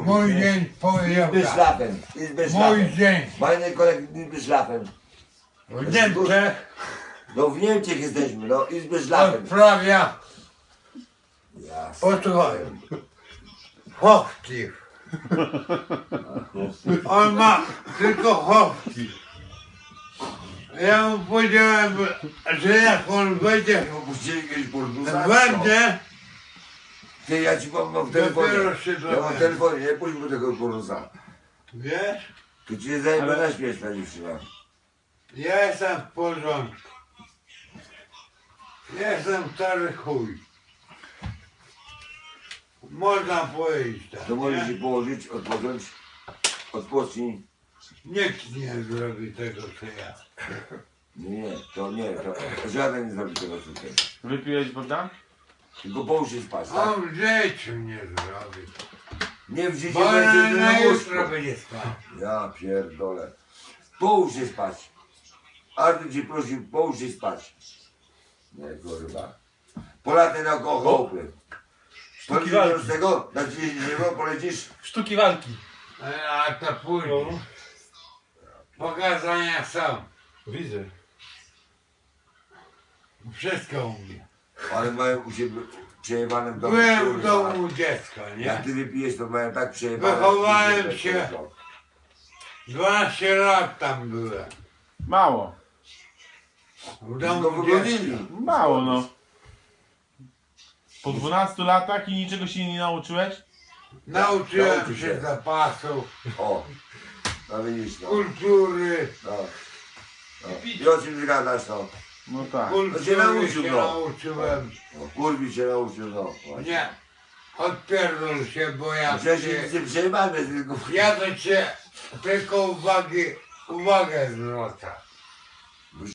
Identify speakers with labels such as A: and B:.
A: Mój dzień powiedział
B: Izby
A: tak.
B: szlafem, izby
A: Mój
B: szlafem.
A: dzień.
B: Fajny kolek, izby szlafem.
A: W Niemczech
B: No w Niemczech jesteśmy, no izby szlafem.
A: odprawia
B: Jasne.
A: posłuchaj. Hochtiw. On ma tylko hochtiw. Ja mu powiedziałem, że jak on wejdzie,
B: Opuścili kiedyś Portugalską.
A: wejdzie,
B: Ty, ja ci mam w telefonie.
A: Dopiero się
B: Ja mam
A: dowiadam.
B: w telefonie, nie pójdź mu tego Portusa.
A: wiesz,
B: Tu ci nie zajmę na śmierć ta dziewczyna.
A: ja jestem w porządku. Jestem stary chuj. Można powiedzieć tak,
B: To możesz się
A: nie?
B: położyć, odpocząć, odpocznij.
A: Nikt nie zrobi tego, co ja.
B: Nie, to żaden nie zrobi tego co ty.
C: Wypiłeś Bogdan?
B: Tylko połóż się spać, tak?
A: On w życiu nie zrobi.
B: Nie w życiu
A: Bo
B: będzie
A: na
B: na
A: jutro
B: łóżku.
A: będzie spał.
B: Ja pierdolę. Połóż się spać. Artur cię prosił, połóż się spać. Nie, kurwa. Polaty na kochołpy. Polecisz
C: walki.
B: z tego? Na 30 euro polecisz?
C: Sztuki walki.
A: A to później. Pokazania są.
C: Widzę.
A: Wszystko umie.
B: Ale mają u siebie przejebane w domu.
A: Byłem w
B: kurwa.
A: domu dziecka,
B: Jak
A: nie?
B: ty wypijesz, to mają tak przejebane.
A: Wychowałem się. 12 lat tam byłem.
C: Mało.
A: W
B: Tylko
A: domu dziecka.
B: wygonili.
C: Mało no. Po 12 latach i niczego się nie nauczyłeś?
A: Nauczyłem
B: Nauczy
A: się
B: się.
A: zapasów,
B: O. No widzisz, no.
A: kultury.
B: No. I o czym zgadasz, no?
C: No tak.
A: Kultury
B: nauczył,
A: się
B: no.
A: nauczyłem.
B: No, kurwi się nauczył, no. Właśnie.
A: Nie. Odpierdol się, bo ja
B: Przecież
A: cię,
B: nic nie przejebane, tylko...
A: ja to cię tylko uwagę zwracam.